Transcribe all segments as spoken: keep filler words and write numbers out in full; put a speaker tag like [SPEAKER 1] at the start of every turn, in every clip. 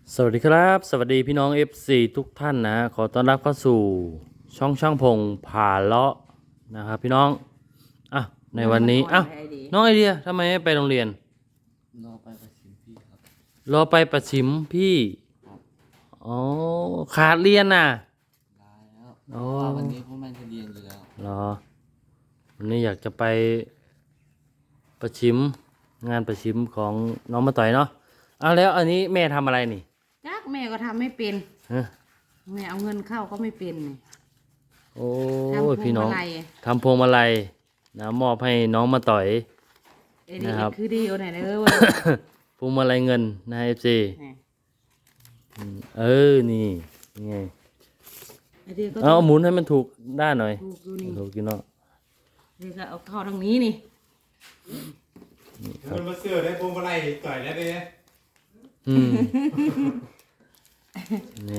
[SPEAKER 1] สวัสดีครับสวัสดีพี่น้อง เอฟ ซี ทุกท่านนะขอต้อนรับเข้าสู่ช่องช่างพงผ่าเลาะนะครับพี่น้องอ่ะในวันนี้อ่ะน้องไอเดียทำไมไม่ไปโรงเรียน
[SPEAKER 2] รอไปประชิมพี่ครับ
[SPEAKER 1] รอไปประชิมพี่อ๋อขาดเรียนน่ะ
[SPEAKER 2] ได้แล้วเพราะว่าวันนี้พวกมันจะเรียนอยู่แล้ว
[SPEAKER 1] รอวันนี้อยากจะไปประชิมงานประชิมของน้องมาต่อยเนาะเอาแล้วอันนี้แม่ทำอะไรนี่
[SPEAKER 3] จักแม่ก็ทำไม่เป็น
[SPEAKER 1] ฮะ
[SPEAKER 3] แม่เอาเงินเข้าก็ไม่เป็นนี่
[SPEAKER 1] โอ้ย
[SPEAKER 3] ทำพวง
[SPEAKER 1] พี่น้อง
[SPEAKER 3] มาลัย
[SPEAKER 1] ทำพวงมาลัยนะมอบให้น้องมาต่อย
[SPEAKER 3] เอ้ยนี่
[SPEAKER 1] นะครับ
[SPEAKER 3] คือดีเอาไหนเด้อเว้ย
[SPEAKER 1] พวงมาลัยเงินนะเอฟซี
[SPEAKER 3] นี่
[SPEAKER 1] เออนี่นี่ไง
[SPEAKER 3] ไอ้เดียก็
[SPEAKER 1] เอาหมุนให้มันถูกด้านหน่อย
[SPEAKER 3] ถูกอยู่นี่
[SPEAKER 1] ถูกกินเนาะ
[SPEAKER 3] เดียก็เอาเข้าทางนี้นี่
[SPEAKER 4] มันมาเสือได้พวงมาลัยต่อยแล้วเนี่ย
[SPEAKER 1] อืมนี่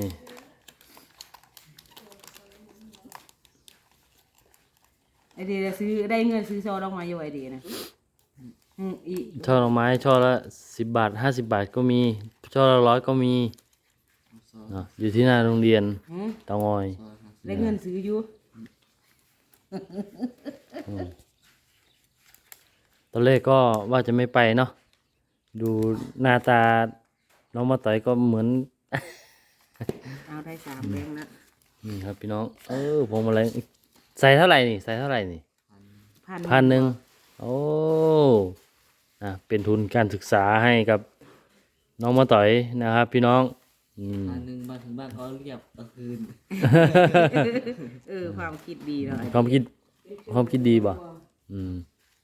[SPEAKER 3] ไอ้เดียซื้อได้เงินซื้อซอดอกไม้อยู่ไอ้เดียนะอืมอี
[SPEAKER 1] ช่อดอกไม้ช่อละสิบบาทห้าสิบบาทก็มีช่อละร้อยก็มีเนาะอยู่ที่หน้าโรงเรียน
[SPEAKER 3] หืม
[SPEAKER 1] เตางอย
[SPEAKER 3] ได้เงินซื้ออยู่
[SPEAKER 1] ตอนแรกก็ว่าจะไม่ไปเนาะดูหน้าตาน้องมาต่อยก็เหมือน
[SPEAKER 3] เอาได้สามแบงค์ละ
[SPEAKER 1] นี่ครับพี่น้อง เออพวงมาลัยใส่เท่าไหร่นี่ใส่เท่าไหร่นี่
[SPEAKER 3] พัน
[SPEAKER 1] พันหนึ่งโอ้อ่ะเป็นทุนการศึกษาให้กับน้องมาต่อยนะครับพี่น้องอืม
[SPEAKER 2] อันหนึ่งมาถึงบ้านก็เรียบกลางคืน
[SPEAKER 3] เออความคิดดีเนาะไอ้
[SPEAKER 1] ความคิดความคิดดีป่ะอืม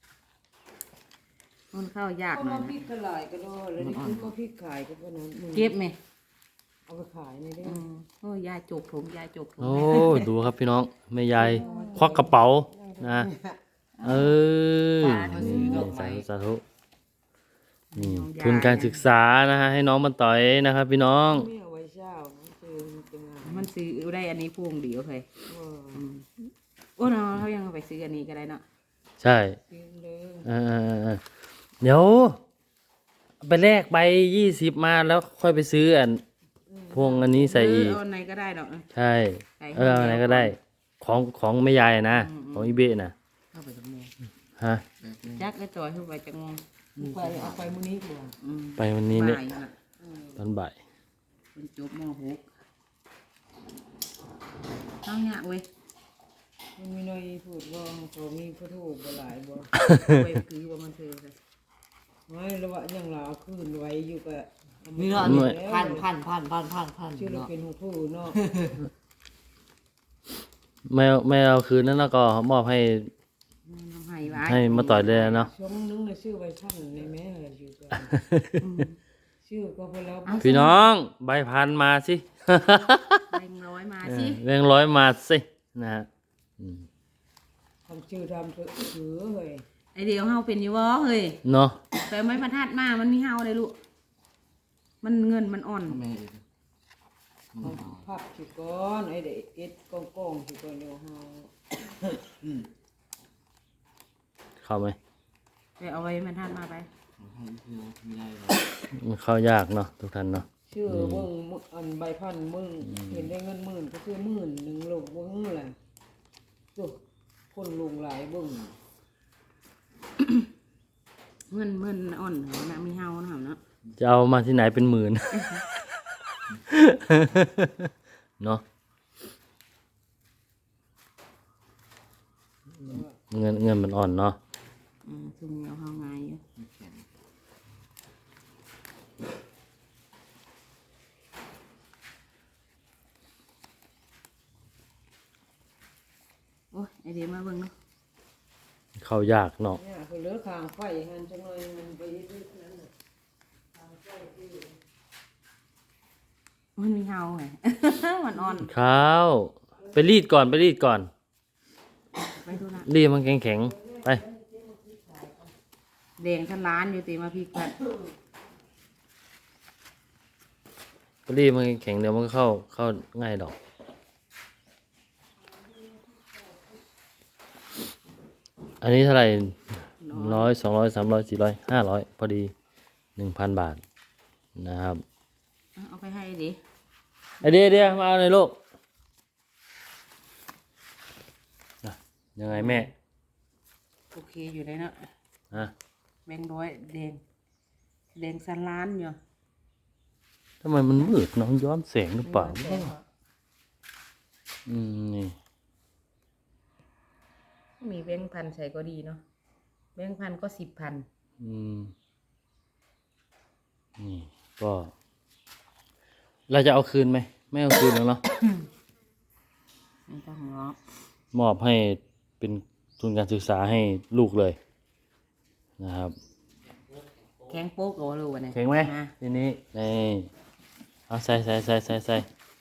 [SPEAKER 3] มันเข้ายากหน่อย
[SPEAKER 5] พริกขายก็ได้แล้วนี่คือก็พริกขายก็เพราะนั้นมึง
[SPEAKER 3] เก็บไหม
[SPEAKER 5] เอาไปขายในได้
[SPEAKER 3] อืมโอ้ยยายจกถุงยายจกถุง
[SPEAKER 1] โอ้ดูครับพี่น้องแม่ยายควักกระเป๋านะเออนี่สาธุสาธุนี่ทุนการศึกษานะฮะให้น้องมาต่อยนะครับพี่น้อง
[SPEAKER 5] ไม่เอาไว้เช้านะคือมันเป็นงาน
[SPEAKER 3] มันซื้อได้อันนี้พวงเดียวเลย
[SPEAKER 5] เออ
[SPEAKER 3] โอ้เนาะเขายังเอาไปซื้ออันนี้ก็ได้เนาะ
[SPEAKER 1] ใช่
[SPEAKER 5] กินเลย
[SPEAKER 1] เออเดี๋ยวไปแลกใบยี่สิบมาแล้วค่อยไปซื้ออันพวงอันนี้ใส่อีก
[SPEAKER 3] เออเอาอันไหนก็ได้เนาะ
[SPEAKER 1] ใช่
[SPEAKER 3] ใส่
[SPEAKER 1] เออเอาไหนก็ได้ ของของแม่ยายนะ
[SPEAKER 3] อืม
[SPEAKER 1] ของอีเบะนะ
[SPEAKER 3] เข้าไปกับแม่
[SPEAKER 1] ฮะ
[SPEAKER 3] จักก็จอยเข้าไปจังงง
[SPEAKER 5] ไปเอาไปมื้อนี้ดีกว่า
[SPEAKER 3] อืม
[SPEAKER 1] ไปวันนี้เนี่ย
[SPEAKER 3] บ่ายน่ะ
[SPEAKER 1] ตอนบ่าย
[SPEAKER 3] เป็นจบม .หก เอาเนี่ยเว้ย
[SPEAKER 5] มันมีหน่อยพูดว่าเขามีพระถูกบ่หลายบ่
[SPEAKER 3] ไปคือว่ามันเธอเลย
[SPEAKER 5] ไม่ระวะอย่างเราเอาคืนไว้อยู่กับ
[SPEAKER 2] นี่เนาะพันพันพันพันพันพัน
[SPEAKER 5] ชื่อเรา
[SPEAKER 2] เนาะ
[SPEAKER 5] เป็นหูผู้เนาะ
[SPEAKER 1] ไม่เอาไม่เอาคืนนั้นแล้วก็มอบให้
[SPEAKER 3] อืมเอาให้ไว้
[SPEAKER 1] ให้มาต่อยเลยเนาะ
[SPEAKER 5] ช่วงนึงน่ะชื่อไว้ท่านในแม่อะไรอยู่กันชื่อก็พอแล้ว
[SPEAKER 1] พี่น้องใบพันมาสิ
[SPEAKER 3] แบงค์ร้อยมา
[SPEAKER 1] เอ
[SPEAKER 3] สิ
[SPEAKER 1] อแบงค์ร้อยมาสินะฮะอืม
[SPEAKER 5] ทำชื่อทำถือเฮ้ย
[SPEAKER 3] ไอเดียวเฮาเป็นอยู่บ่เฮ้ย
[SPEAKER 1] เนาะ
[SPEAKER 3] แต่ไม่ประทัดมามันมีเฮาเลยลูกมันเงินมันอ่อน
[SPEAKER 2] ทำไมอีก
[SPEAKER 5] พับสิก่อนไอ้เด็กเอ็ดกองกองสิก่อนเดี๋ยวเฮา
[SPEAKER 1] เข้าไหม
[SPEAKER 3] ไปเอาไว้ประทัดมาไป
[SPEAKER 2] ให้คือไม่ได้หรอก
[SPEAKER 1] มันเข้ายากเนาะทุกท่านเนาะ
[SPEAKER 5] ชื่อเบิ่งมึอันใบพันมึงเห็นได้เงินหมื่นก็คือหมื่นหนึ่งลงเบิ่งแหละจุคนลงหลายเบิ่ง
[SPEAKER 3] เงินเงินอ่อนเหรอนะมีเฮาเนาะเนาะ
[SPEAKER 1] จะเอามาที่ไหนเป็นหมื่น เนาะเงินเงินมันอ่อนเนาะ
[SPEAKER 3] อืมซุ่มเอาเฮาง่ายอยู่โอ้ยไอเดียวมาเบิ่งเนาะ
[SPEAKER 1] เข้ายากเนาะ
[SPEAKER 5] เนี่ยคือเหลือคางไฟหันจังเลยมันไปยึดนั้นน่ะ
[SPEAKER 3] มันมีเฮาไง มันอ่อน
[SPEAKER 1] ข้าวไปรีดก่อนไปรีดก่อน
[SPEAKER 3] ไปดูนะ
[SPEAKER 1] รีดมันแข็งแข็งๆไป
[SPEAKER 3] แดงทันล้านอยู่ตีมาพริกผัด
[SPEAKER 1] ไปรีดมันแข็งๆเดี๋ยวมันก็เข้าเข้าง่ายดอก อันนี้เท่าไหร่ร้อยสองร้อยสามร้อยสี่ร้อยห้าร้อยพอดีหนึ่งพันบาทนะครับ
[SPEAKER 3] เอาเอาไปให้ดิ
[SPEAKER 1] ไอเดียเดียมาเอาเลยลูกอ่ะยังไงแม่
[SPEAKER 3] โอเคอยู่เลยเนาะ
[SPEAKER 1] อ่ะ
[SPEAKER 3] แบงค์ร้อยแดงแดงสันล้านอยู่
[SPEAKER 1] ทำไมมันมืดน้องย้อนแสงหรือเปล่าอืมนี่
[SPEAKER 3] มีแบงค์พันใส่ก็ดีเนาะแบงค์พันก็สิบพัน
[SPEAKER 1] อืมนี่ก็ เราจะเอาคืนไหมไม่เอาคืนแล้วเนาะ
[SPEAKER 3] ไม่ต้องหรอก
[SPEAKER 1] มอบให้เป็นทุนการศึกษาให้ลูกเลยนะครับ
[SPEAKER 3] แข็งโป๊กเอาลูกวันนี้
[SPEAKER 1] แข็งไหม
[SPEAKER 3] นะ
[SPEAKER 1] ทีนี้นี่เอาใส่ใส่ใส่ใส่ใส่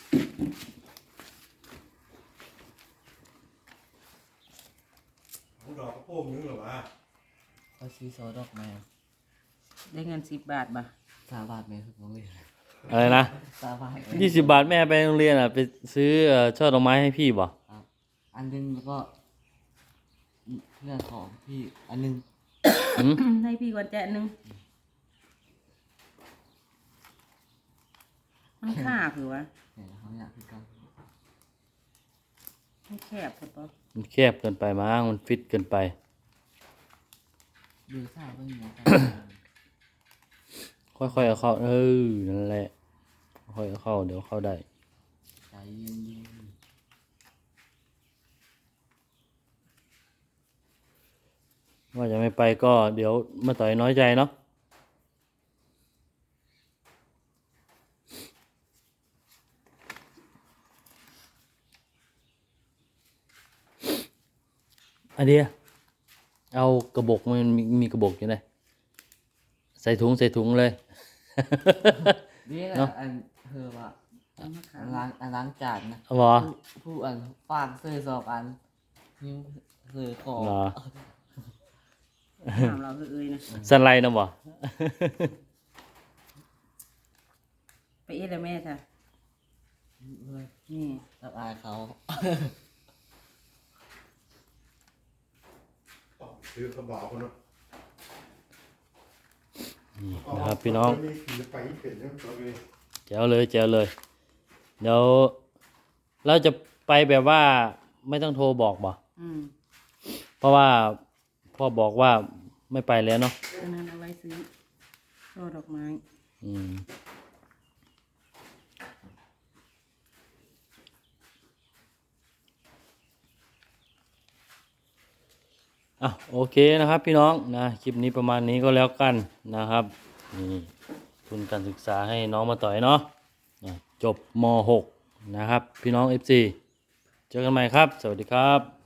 [SPEAKER 4] ผมดอกกระโปงนึงเหรอวะ
[SPEAKER 2] เขาซื้อซอดอกไม้
[SPEAKER 3] ได้เงินสิบบาทบ่ะ
[SPEAKER 2] สามบาทไหมครับน้องเลย
[SPEAKER 1] อะไรนะ
[SPEAKER 2] สามบาท
[SPEAKER 1] ยี่สิบบาทแม่ไปโรงเรียนอ่ะไปซื้อเอ่อช่อดอกไม้ให้พี่บ่
[SPEAKER 2] ครับอันหนึงแล้วก็เพื่อนของพี่อันหนึง
[SPEAKER 1] หืม
[SPEAKER 3] ให้พี่ก่อนแจะหนึ่งมันค่าคือวะ
[SPEAKER 2] เนี่ยเขาอยากคือกัน
[SPEAKER 3] มันแคบพอปะ
[SPEAKER 1] มันแคบเกินไปมั้งมันฟิตเกินไป
[SPEAKER 2] ดูทราบว่าอย่างไรกัน
[SPEAKER 1] ค่อยๆเอาเข้าเออนั่นแหละค่อยๆเอาเข้าเดี๋ยวเข้าได้
[SPEAKER 2] ใจเย็น
[SPEAKER 1] ว่าจะไม่ไปก็เดี๋ยวมาต่อยน้อยใจเนาะอันเดียเอากระบอกมันมีมีกระบอกอยู่ไหนใส่ถุงใส่ถุงเลย
[SPEAKER 2] ๆนี่แหละ
[SPEAKER 1] เนาะ
[SPEAKER 2] อันเธอว่า
[SPEAKER 3] เอามาขา
[SPEAKER 2] อั
[SPEAKER 3] ย
[SPEAKER 2] นล้างอันล้างจานนะ
[SPEAKER 1] เอาเหรอ
[SPEAKER 2] ผู้ผู้อันฟางเสื้อสอบอันนิ้วเสื้อของ
[SPEAKER 1] เหรอ
[SPEAKER 3] ถามเราคือเอ้ยนะ
[SPEAKER 1] สันไลนะบ่
[SPEAKER 3] ไปเอ็ดแล้วแม่จ้ะนี่
[SPEAKER 2] รับอายเขา
[SPEAKER 4] ต้องซื้อกระบอกคนเนาะ
[SPEAKER 1] นี่นะครับพี่น้อง
[SPEAKER 4] มีขี่ไปเปลี่ยนเรื่องตัวเลย
[SPEAKER 1] แจ๋วเลยแจ๋วเลย เดี๋ยวเราจะไปแบบว่าไม่ต้องโทรบอกบ่
[SPEAKER 3] อืม
[SPEAKER 1] เพราะว่าพ่อบอกว่าไม่ไปแล้วเนาะ
[SPEAKER 3] อันนั้นเอาไว้ซื้อช่อดอกไม้
[SPEAKER 1] อืมอ่ะโอเคนะครับพี่น้องนะคลิปนี้ประมาณนี้ก็แล้วกันนะครับนี่ทุนการศึกษาให้น้องมาต่อยเนาะนะจบม .หก นะครับพี่น้อง เอฟ ซี เจอกันใหม่ครับ สวัสดีครับ